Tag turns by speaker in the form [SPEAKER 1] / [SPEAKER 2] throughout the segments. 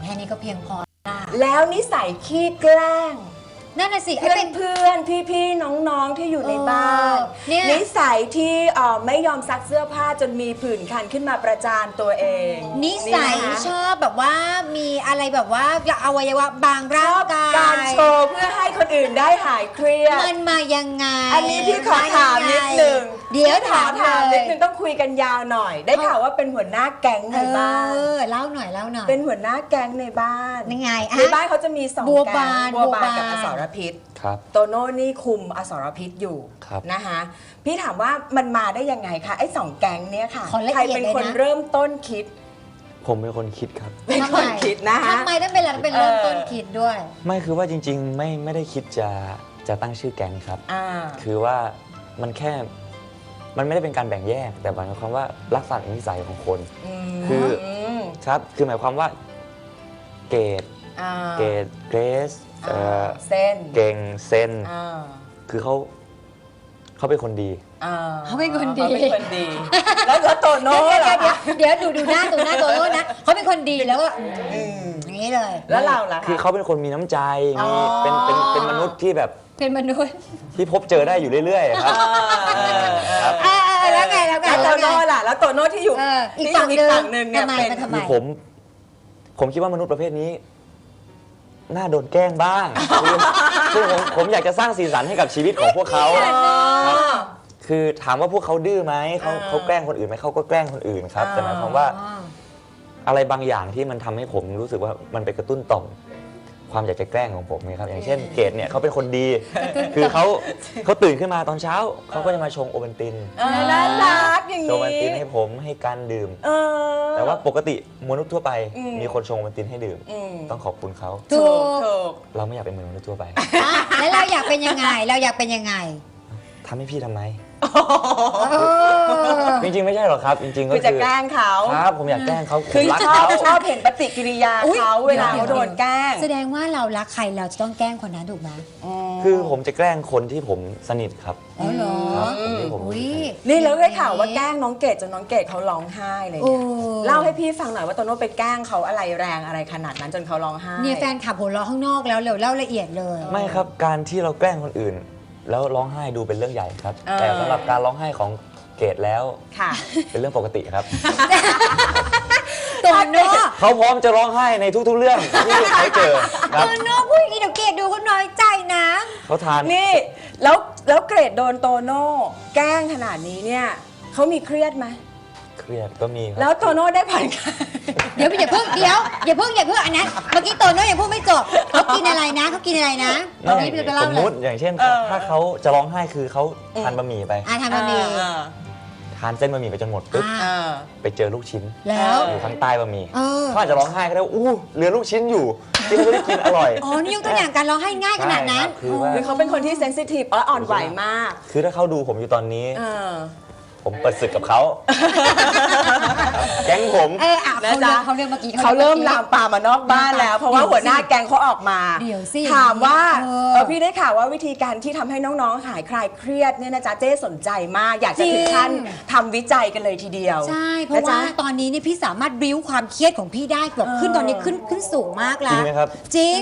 [SPEAKER 1] ค่นี้ก็เพียงพอละ
[SPEAKER 2] แล้วนิสัยขี้แกล้ง
[SPEAKER 1] นั่นน่ะสิ
[SPEAKER 2] เพื่อนพี่น้องๆที่อยู่ในบ้าน
[SPEAKER 1] เนี่ย
[SPEAKER 2] นิสัยที่ไม่ยอมซักเสื้อผ้าจนมีผื่นคันขึ้นมาประจานตัวเอง
[SPEAKER 1] นิสัย
[SPEAKER 2] นะคะ
[SPEAKER 1] ชอบแบบว่ามีอะไรแบบว่าอวัยวะบางร่างกาย
[SPEAKER 2] การโชว์เพื่อให้คนอื่นได้หายเครียด
[SPEAKER 1] มันมายังไง
[SPEAKER 2] อันนี้พี่ขอถามนิดนึง
[SPEAKER 1] เดี๋ยว
[SPEAKER 2] ขอ
[SPEAKER 1] ถาม
[SPEAKER 2] นิ
[SPEAKER 1] เล
[SPEAKER 2] ด
[SPEAKER 1] ย
[SPEAKER 2] นึงต้องคุยกันยาวหน่อย ได้ข่าวว่าเป็นหัวหน้าแก๊งในบ้าน
[SPEAKER 1] เล่าหน่อยเล่าหน่อย
[SPEAKER 2] เป็นหัวหน้าแก๊งในบ้าน
[SPEAKER 1] ยังไง
[SPEAKER 2] ในบ้านเขาจะมีสอง
[SPEAKER 1] บัว
[SPEAKER 2] แก๊
[SPEAKER 1] บาง น
[SPEAKER 2] บัวบาน
[SPEAKER 1] บัวบาน
[SPEAKER 2] กับอสรพิษ
[SPEAKER 3] ครับ
[SPEAKER 2] โตโน่นี่คุมอสรพิษอยู่
[SPEAKER 3] ครับ
[SPEAKER 2] นะคะพี่ถามว่ามันมาได้ยังไงคะไอ้สองแก๊งเนี่ยค่ะ
[SPEAKER 1] ขอละเอียด
[SPEAKER 2] ใครเป็นคน
[SPEAKER 1] เลยนะ
[SPEAKER 2] เริ่มต้นคิด
[SPEAKER 3] ผมเป็นคนคิดครับ
[SPEAKER 2] เป็นคนคิดนะคะ
[SPEAKER 1] ทำไมต้องเป็นเราเป็นเริ่มต้นคิดด้วย
[SPEAKER 3] ไม่คือว่าจริงๆไม่ได้คิดจะตั้งชื่อแก๊งครับ
[SPEAKER 2] อ่า
[SPEAKER 3] คือว่ามันแค่มันไม่ได้เป็นการแบ่งแยก แต่หมายความว่าลักษณะนิสัยของคน คือ
[SPEAKER 2] ม
[SPEAKER 3] ครับคือหมายความว่าเกรด
[SPEAKER 2] อ่า
[SPEAKER 3] เกรดเกรส
[SPEAKER 2] เส้น
[SPEAKER 3] เก่งเซน
[SPEAKER 2] อ่า
[SPEAKER 3] คือเขาเป็นคนดี
[SPEAKER 2] อ่า
[SPEAKER 1] เขาเป็นคนดี
[SPEAKER 2] เขาเป็นคนดี แล้วโตโน่
[SPEAKER 1] เดี๋ยว
[SPEAKER 2] ล่ะคะ
[SPEAKER 1] เดี๋ยวดูหน้าตัวโน้นนะเขาเป็นคนดีแล้วก็
[SPEAKER 2] อืม
[SPEAKER 1] อย่างนี้เลย
[SPEAKER 2] แล้วเราล่ะ
[SPEAKER 3] คือ
[SPEAKER 2] คะ
[SPEAKER 3] เขาเป็นคนมีน้ำใจ
[SPEAKER 2] อ๋อ
[SPEAKER 3] มีเป็นมนุษย์ที่แบบ
[SPEAKER 1] เป็นมนุษย์
[SPEAKER 3] ที่พบเจอได้อยู่เรื่อยๆครับครับ
[SPEAKER 1] แล้วไง
[SPEAKER 2] แล้วโตโน่ล่ะแล้วโตโน่ที่อยู่
[SPEAKER 1] อีก
[SPEAKER 2] ที่
[SPEAKER 1] ฝั่ง
[SPEAKER 2] อีกฝั่งหนึ่งเนี่ย
[SPEAKER 1] ทำไม
[SPEAKER 2] เป็น
[SPEAKER 1] มันทำไม
[SPEAKER 3] คือผมคิดว่ามนุษย์ประเภทนี้ น่าโดนแกล้งบ้างคือผมอยากจะสร้างสีสันให้กับชีวิตของพวกเขา
[SPEAKER 2] อ๋อ
[SPEAKER 3] คือถามว่าพวกเขาดื้อไหมเขา
[SPEAKER 2] อ่า
[SPEAKER 3] เขาแกล้งคนอื่นไหมเขาก็แกล้งคนอื่นครับแต่หมายความว่าอะไรบางอย่างที่มันทำให้ผมรู้สึกว่ามันไปกระตุ้นต่อมความอยากจะแกล้งของผมไงครับอย่างเช่นเกดเนี่ยเขาเป็นคนดี คือเขาตื่นขึ้นมาตอนเช้าเขาก็จะมาชงโอวัลติน
[SPEAKER 2] น่ารักอย่าง
[SPEAKER 3] ชงโอวัล
[SPEAKER 2] นี้
[SPEAKER 3] ตินให้ผมให้การดื่ม
[SPEAKER 2] เออ
[SPEAKER 3] แต่ว่าปกติมนุษย์ทั่วไป
[SPEAKER 2] อืม
[SPEAKER 3] มีคนชงโอวัลตินให้ดื่ม
[SPEAKER 2] อืม
[SPEAKER 3] ต้องขอบคุณเขา
[SPEAKER 1] ถูก
[SPEAKER 2] ถูก
[SPEAKER 3] เราไม่อยากเป็นเหมือนมนุษย์ทั่วไป
[SPEAKER 1] แล้วเราอยากเป็นยังไง เราอยากเป็นยังไง
[SPEAKER 3] ทำให้พี่ทำไม
[SPEAKER 1] เออ
[SPEAKER 3] จริงๆไม่ใช่หรอกครับ จริงๆก็
[SPEAKER 2] คือจะแกล้งเขา
[SPEAKER 3] ครับผมอยากแกล้งเขาผ
[SPEAKER 2] คือ
[SPEAKER 3] มรัก
[SPEAKER 2] ชอบ
[SPEAKER 3] เขา
[SPEAKER 2] ชอบเห็นปฏิกิริยา
[SPEAKER 1] อุ๊ย
[SPEAKER 2] เขาเวลาเขาโดนแกล้ง
[SPEAKER 1] แสดงว่าเรารักใครเราจะต้องแกล้งคนนั้นถูกไหม
[SPEAKER 3] คือผมจะแกล้งคนที่ผมสนิทครับ
[SPEAKER 1] อ๋อเหรอ
[SPEAKER 3] ครับคนที่ผม
[SPEAKER 1] อุ๊ย
[SPEAKER 2] นี่เราได้ข่าวว่าแกล้งน้องเกดจนน้องเกดเขาร้องไห้เลย
[SPEAKER 1] โอ้
[SPEAKER 2] เนี่ยเล่าให้พี่ฟังหน่อยว่าโตโน่ไปแกล้งเขาอะไรแรงอะไรขนาดนั้นจนเขาร้องไห้
[SPEAKER 1] เนี่ยแฟนขับหัวเราะข้างนอกแล้วเร็วเล่าละเอียดเลย
[SPEAKER 3] ไม่ครับการที่เราแกล้งคนอื่น แล้วร้องไห้ดูเป็นเรื่องใหญ่ครับ แต่สำหรับการร้องไห้ของเกดแล้ว
[SPEAKER 2] ค่ะ
[SPEAKER 3] เป็นเรื่องปกติครับ
[SPEAKER 1] โตโน่
[SPEAKER 3] เขาพร้อมจะร้องไห้ในทุกๆเรื่องที่เขาเจอค
[SPEAKER 1] โต
[SPEAKER 3] รับ
[SPEAKER 1] โน่พูดอย่างนี้เดี๋ยวเกดดูเขาน้อยใจนะ
[SPEAKER 3] เขาทาน
[SPEAKER 2] นี่แล้วเกรดโดนโตโน่แกล้งขนาดนี้เนี่ยเขามีเครียดไหม
[SPEAKER 3] เครียดก็มีค
[SPEAKER 2] แล้
[SPEAKER 3] รับ
[SPEAKER 2] วโตโน่ได้ผ่อนคลาย
[SPEAKER 1] เดี๋ยวอย่าเพิ่งอันนั้นเมื่อกี้โตโน่ยังพูดไม่จบเขากินอะไรนะตอนนี้พี่จะเล่า
[SPEAKER 3] สม
[SPEAKER 1] เล
[SPEAKER 3] มุ
[SPEAKER 1] ย
[SPEAKER 3] ติอย่างเช่น
[SPEAKER 2] เออ
[SPEAKER 3] ถ้าเขาจะร้องไห้คือเขาทานบะหมี่ไป
[SPEAKER 1] ทำบะหมี่
[SPEAKER 3] ทานเส้นบะหมี่ไปจนหมดปุ๊บ
[SPEAKER 1] อ่า
[SPEAKER 3] ไปเจอลูกชิ้น
[SPEAKER 1] แล้ว
[SPEAKER 3] อยู่ข้างใต้บะหมี่
[SPEAKER 1] เออ
[SPEAKER 3] เขาอาจจะร้องไห้ก็ได้ว่าอู้เหลือลูกชิ้นอยู่ที่เขาจะได้กินอร่อย
[SPEAKER 1] อ๋อนี่ยกตัวอย่างการร้องไห้ง่ายขนาดนั้น
[SPEAKER 3] ใช่ครับคือว่า
[SPEAKER 2] หรือเขาเป็นคนที่เซนซิทีฟอ่อนไหวมาก
[SPEAKER 3] คือถ้าเขาดูผมอยู่ตอนนี้
[SPEAKER 2] เออ
[SPEAKER 3] ผมเปิดศึกกับเขา แก๊งผม
[SPEAKER 2] นะจ๊ะ
[SPEAKER 1] เขาเรื่องเมื่อกี้
[SPEAKER 2] เขาเริ่มลามปามมานอกบ้านแล้ว เพราะว่าหัวหน้าแกงเขาออกมา
[SPEAKER 1] เดี๋ยวสิ
[SPEAKER 2] ถามว่า
[SPEAKER 1] เออ
[SPEAKER 2] พี่ได้ข่าวว่าวิธีการที่ทำให้น้องๆหายคลายเครียดเนี่ยนะจ๊ะเจ๊สนใจมาก อยากจะถึงขั้นทำวิจัยกันเลยทีเดียว
[SPEAKER 1] ใช่เพราะว่าตอนนี้นี่พี่สามารถบิ้วความเครียดของพี่ได้แบบขึ้นตอนนี้ขึ้นสูงมาก
[SPEAKER 3] จ
[SPEAKER 1] แล้
[SPEAKER 3] ริง
[SPEAKER 1] ว
[SPEAKER 3] ไหมครับ
[SPEAKER 1] จริง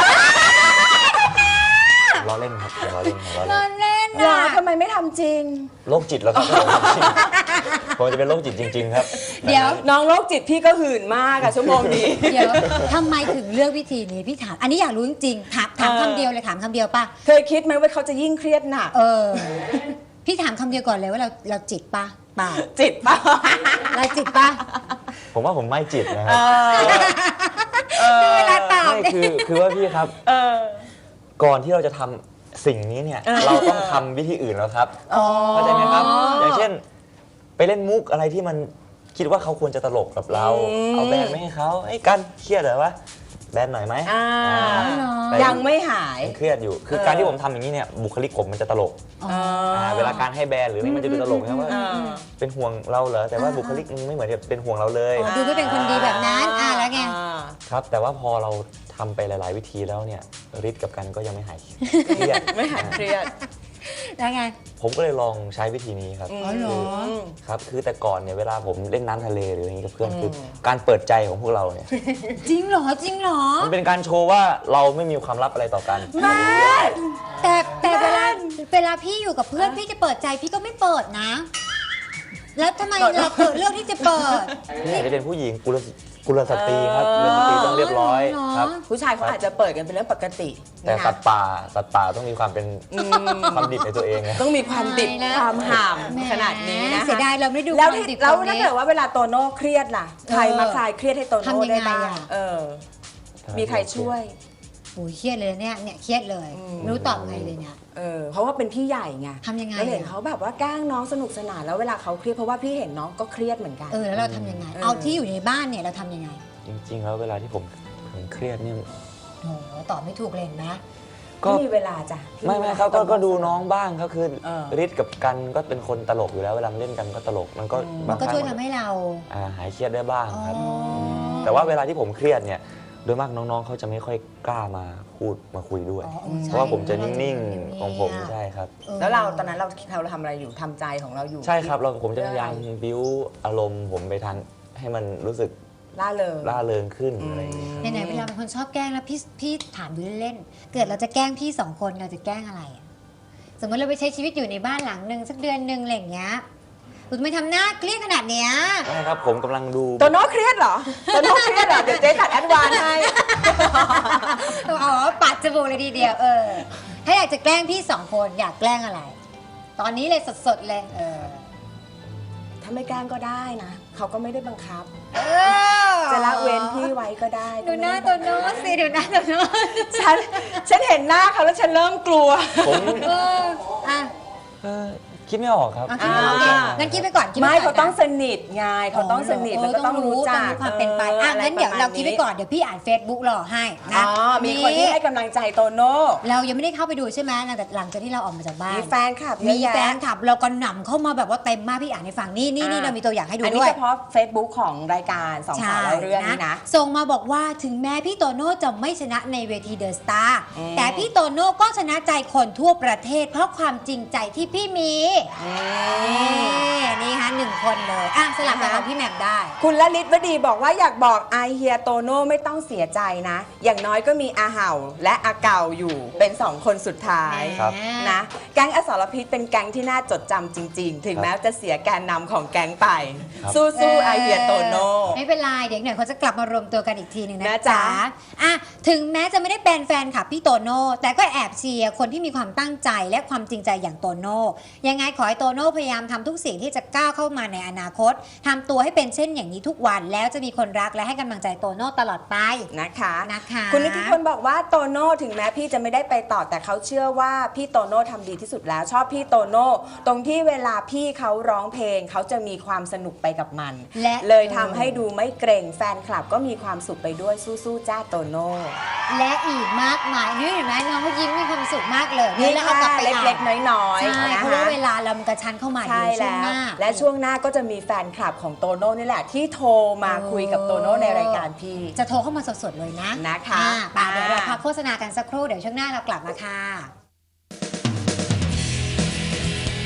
[SPEAKER 3] ล้อเล่นครับล้อเล่นล้อ
[SPEAKER 1] เล่
[SPEAKER 3] เล่น
[SPEAKER 1] นเล่น
[SPEAKER 2] เหรอ
[SPEAKER 1] นะ
[SPEAKER 2] ทำไมไม่ทำจริง
[SPEAKER 3] โรคจิตแล้วครับผมจะเป็นโรคจิตจริง ๆ ครับ
[SPEAKER 1] เดี๋ยว
[SPEAKER 2] น้องโรคจิตพี่ก็หื่นมากอะชั่วโมงนี้
[SPEAKER 1] เดี๋ยวทำไมถึงเลือกวิธีนี้พี่ถาม อันนี้อยากรู้จริงๆถามคำเดียวเลยถามคำเดียวป่ะ
[SPEAKER 2] เคยคิดไหมว่าเขาจะยิ่งเครียดหนัก
[SPEAKER 1] พี่ถามคำเดียวก่อนเลยว่าเราจิตป่ะเปล่า
[SPEAKER 2] จิตป่ะ
[SPEAKER 1] เราจิตป่ะ
[SPEAKER 3] ผมว่าผมไม่จิตนะค
[SPEAKER 2] เอ
[SPEAKER 3] รับ
[SPEAKER 2] อ
[SPEAKER 1] เวลาตอบ
[SPEAKER 3] ไม่คือว่าพี่ครับ
[SPEAKER 2] เออ
[SPEAKER 3] ก่อนที่เราจะทำสิ่งนี้เนี่ย เราต้องทำวิธีอื่นแล้วครับ
[SPEAKER 2] อ๋อ
[SPEAKER 3] เข้าใจไหมครับ อย่างเช่น ไปเล่นมุกอะไรที่มันคิดว่าเขาควรจะตลกกับเรา เอาแบนไม่ให้เขาไอ้กันเครียดเหรอวะแบนหน่อยไหม
[SPEAKER 2] อ่า
[SPEAKER 3] แต่
[SPEAKER 2] ยังไม่หาย
[SPEAKER 3] ยังเครียดอยู่ คือการที่ผมทำอย่างนี้เนี่ยบุคลิกผมมันจะตลก เวลาการให้แบนหรืออะไรมันจะดูตลกนะว่า เป็นห่วงเราเหรอแต่ว่าบุคลิกมึงไม่เหมือนจะเป็นห่วงเราเลย
[SPEAKER 1] ดูไม่เป็นคนดีแบบนั้นแล้วไง
[SPEAKER 3] ครับ แต่ว่าพอเราทำไปหลาย ๆ วิธีแล้วเนี่ยฤทธิ์กับกันก็ยังไม่หายเครียด
[SPEAKER 2] ไม่หายเครียด
[SPEAKER 1] แล้วไง
[SPEAKER 3] ผมก็เลยลองใช้วิธีนี้ครับ
[SPEAKER 1] อ๋อเหรอ
[SPEAKER 3] ครับคือแต่ก่อนเนี่ยเวลาผมเล่นน้ำทะเลหรืออย่างนี้กับเพื่อนคือการเปิดใจของพวกเราเนี่ย
[SPEAKER 1] จริงเหรอจริงเหรอ
[SPEAKER 3] มันเป็นการโชว์ว่าเราไม่มีความลับอะไรต่อกัน
[SPEAKER 1] แต่เวลาพี่อยู่กับเพื่อนพี่จะเปิดใจพี่ก็ไม่เปิดนะ แล้วทำไมเราเลือกที่จะเปิด
[SPEAKER 3] นี่อาจจะเป็นผู้หญิงกุลสตรีครับกุลสตรีต้องเรียบร้อยครับ
[SPEAKER 2] ผู้ชายเขาอาจจะเปิดกันเป็นเรื่องปกติ
[SPEAKER 3] แต่
[SPEAKER 2] นะ
[SPEAKER 3] สัตว์ป่าต้องมีความเป็นความดิบในตัวเองนะ
[SPEAKER 2] ต้องมีความดิบ
[SPEAKER 1] ตายแล้ว
[SPEAKER 2] ความห่าม
[SPEAKER 1] แหม
[SPEAKER 2] ขนาดนี้นะ
[SPEAKER 1] เสียดายเราไม่ดู
[SPEAKER 2] แล้ว
[SPEAKER 1] ความ
[SPEAKER 2] ที่
[SPEAKER 1] ดิบ
[SPEAKER 2] แล้ว
[SPEAKER 1] ตรงนี้
[SPEAKER 2] ถ้าเกิดว่าเวลาโตโน่เครียดล่ะใครมาคลายเครียดให้โตโน่
[SPEAKER 1] ทำยังไง
[SPEAKER 2] ได้บ้าง
[SPEAKER 1] อะ
[SPEAKER 2] มีใครช่วย
[SPEAKER 1] โอ้ยเครียดเลยเนี่ยเครียดเลย
[SPEAKER 2] อืม
[SPEAKER 1] ไม่รู้ตอบไงเลยเนี่ย
[SPEAKER 2] เพราะว่าเป็นพี่ใหญ่ไง
[SPEAKER 1] ทำยังไง
[SPEAKER 2] แล้วเห็น
[SPEAKER 1] อะ
[SPEAKER 2] เขาแบบว่าแกล้งน้องสนุกสนานแล้วเวลาเขาเครียดเพราะว่าพี่เห็นน้องก็เครียดเหมือนกัน
[SPEAKER 1] แล้วเราทำยังไง
[SPEAKER 2] เออ
[SPEAKER 1] เอาที่อยู่ในบ้านเนี่ยเราทำยังไง
[SPEAKER 3] จริงๆ แล้วเวลาที่ผมเครียดเนี่ย
[SPEAKER 1] โอ้โหตอบไม่ถูกเลยเห็นไหม
[SPEAKER 3] ก็
[SPEAKER 2] ไม่มีเวลาจ้ะพี่
[SPEAKER 3] ไม่ครับก็ดูน้องบ้างก็คือ
[SPEAKER 2] เ
[SPEAKER 3] ฤทธิ์กับกันก็เป็นคนตลกอยู่แล้วเวลาเล่นกันก็ตลกมันก็
[SPEAKER 1] มั
[SPEAKER 3] บาน ง
[SPEAKER 1] ก็
[SPEAKER 3] ครั้
[SPEAKER 1] ช่วย
[SPEAKER 3] ง
[SPEAKER 1] ทำให้เรา
[SPEAKER 3] หายเครียดได้บ้างครับ
[SPEAKER 1] อ๋อ
[SPEAKER 3] แต่ว่าเวลาที่ผมเครียดเนี่ยโดยมากน้องๆเขาจะไม่ค่อยกล้ามาพูดมาคุยด้วย
[SPEAKER 1] อ๋อ
[SPEAKER 3] เพราะว่าผมจะนิ่ง
[SPEAKER 1] ๆ
[SPEAKER 3] ๆของผมใช่ครับ
[SPEAKER 2] แล้วเราตอนนั้นเราทำอะไรอยู่ทำใจของเราอยู่
[SPEAKER 3] ใช่ครับผมจะพยายามบิ้วอารมณ์ผมไปทางให้มันรู้สึก
[SPEAKER 2] ล่าเริง
[SPEAKER 3] ร่าเริงขึ้นอะไรอย่างเงี้ยครับ
[SPEAKER 1] ไหนๆเวลาเป็นคนชอบแกล้งแล้วพี่ถามดูเล่นๆเกิดเราจะแกล้งพี่สองคนเราจะแกล้งอะไรอะสมมติเราไปใช้ชีวิตอยู่ในบ้านหลังหนึ่งสักเดือนหนึ่งอะไรอย่างเงี้ยคุณไม่ทำหน้าเครียดขนาดเนี้ย
[SPEAKER 3] ใช่ครับผมกำลังดู
[SPEAKER 2] โตโน่เครียดเหรอโตโน่เครียดเหรอเดี๋ยวเจ๊ตัดแอดวานซ์ให้
[SPEAKER 1] อ๋อปัดจมูกเลยทีเดียวถ้าอยากจะแกล้งพี่สองคนอยากแกล้งอะไร ตอนนี้เลยสดๆเลย
[SPEAKER 2] ถ้าไม่แกล้งก็ได้นะเขาก็ไม่ได้บังคับ
[SPEAKER 1] เออ
[SPEAKER 2] จะละเว้นพี่ไว้ก็ได้
[SPEAKER 1] ดูหน้าตัวโน้ตสิดูหน้าตัวโน้ต
[SPEAKER 2] ฉันเห็นหน้าเขาแล้วฉันเริ่มกลัว
[SPEAKER 3] ผม
[SPEAKER 1] อ่ะ
[SPEAKER 3] คิดไม่ออกครับ
[SPEAKER 1] คิดไม่ออกงั้นคิดไปก่อนคิด
[SPEAKER 2] ไม่
[SPEAKER 1] ปก่
[SPEAKER 2] เขา
[SPEAKER 1] อน
[SPEAKER 2] ต้องสนิทไงเขาต้องสนิทแล้วก็ต้องรู้จั
[SPEAKER 1] ต้อก งมีความเป็นไปงั้นเดี๋ยวเราคิดไปก่อนเดี๋ยวพี่อ่าน Facebook รอให้นะ
[SPEAKER 2] มีคนที่ให้กำลังใจโตโน่
[SPEAKER 1] เรายังไม่ได้เข้าไปดูใช่ไหมหลังจากที่เราออกมาจากบ้าน
[SPEAKER 2] มีแฟนคลับเย
[SPEAKER 1] มี
[SPEAKER 2] อะ
[SPEAKER 1] แฟ
[SPEAKER 2] แยะ
[SPEAKER 1] นคลับเราก็หนำเข้ามาแบบว่าเต็มมากพี่อ่านให้ฟังนี่เรามีตัวอย่างให้ดู
[SPEAKER 2] อันนี้
[SPEAKER 1] ด้วย
[SPEAKER 2] เฉพาะ Facebook ของรายการสองสาวเล่าเรื่องนี้นะ
[SPEAKER 1] ส่งมาบอกว่าถึงแม้พี่โตโน่จะไม่ชนะในเวทีเดอะสตาร์
[SPEAKER 2] อืม
[SPEAKER 1] แต่พี่โตโน่ก็ชนะใจคนทั่วประเทศ เพราะความจริงใจที่พี่มีนี่ฮะ1 คนเลยสลับกับของพี่แหม่มได้
[SPEAKER 2] คุณละลิศวดีบอกว่าอยากบอกไอเฮียโตโน่ไม่ต้องเสียใจนะ อย่างน้อยก็มีอาเห่าและอาเก่าอยู่เป็น2 คนสุดท้าย
[SPEAKER 3] ครับ
[SPEAKER 2] นะแก๊งอสรพิษเป็นแก๊งที่น่าจดจำจริง ๆ ถึงแม้จะเสียแกนนำของแก๊งไป
[SPEAKER 3] ครับ
[SPEAKER 2] สู้ๆไอเฮียโตโน่
[SPEAKER 1] ไม่เป็นไรเดี๋ยวหน่อยเขาจะกลับมารวมตัวกันอีกทีหนึ่งนะ
[SPEAKER 2] นะจ๊ะ
[SPEAKER 1] จ๊ะถึงแม้จะไม่ได้เป็นแฟนคลับพี่โตโน่แต่ก็แอบเชียร์คนที่มีความตั้งใจและความจริงใจอย่างโตโน่ยังไงขอให้โตโน่พยายามทำทุกสิ่งที่จะก้าวเข้ามาในอนาคตทำตัวให้เป็นเช่นอย่างนี้ทุกวันแล้วจะมีคนรักและให้กำลังใจโตโน่ตลอดไป
[SPEAKER 2] นะคะ
[SPEAKER 1] นะคะ
[SPEAKER 2] คุณนิติพลบอกว่าโตโน่ถึงแม้พี่จะไม่ได้ไปต่อแต่เขาเชื่อว่าพี่โตโน่ทำดีที่สุดแล้วชอบพี่โตโน่ตรงที่เวลาพี่เขาร้องเพลงเขาจะมีความสนุกไปกับมัน
[SPEAKER 1] และ
[SPEAKER 2] เลยทำให้ดูไม่เกรงแฟนคลับก็มีความสุขไปด้วยสู้ๆจ้าโตโน่
[SPEAKER 1] และอีกมากมายนี่เห็นไหมน้องเขายิ้มมีความสุขมากเลย
[SPEAKER 2] นี่
[SPEAKER 1] แล้วเอากลับ
[SPEAKER 2] ค่ะ
[SPEAKER 1] ไป
[SPEAKER 2] เล็กๆน้อยๆ
[SPEAKER 1] ใช่
[SPEAKER 2] นะ
[SPEAKER 1] เพราะว่า
[SPEAKER 2] คะ
[SPEAKER 1] เวลาเรามันกระชั้นเข้ามา
[SPEAKER 2] ใช่
[SPEAKER 1] เดี๋ยวช่วง
[SPEAKER 2] แล้ว
[SPEAKER 1] หน้า
[SPEAKER 2] และช่วงหน้าก็จะมีแฟนคลับของโตโน่นี่แหละที่โทรมาคุยกับโตโน่ในรายการพี่
[SPEAKER 1] จะโทรเข้ามาสดๆเลยนะ
[SPEAKER 2] นะคะ
[SPEAKER 1] เดี๋ยวเราพักโฆษณากันสักครู่เดี๋ยวช่วงหน้าเรากลับมาค่ะ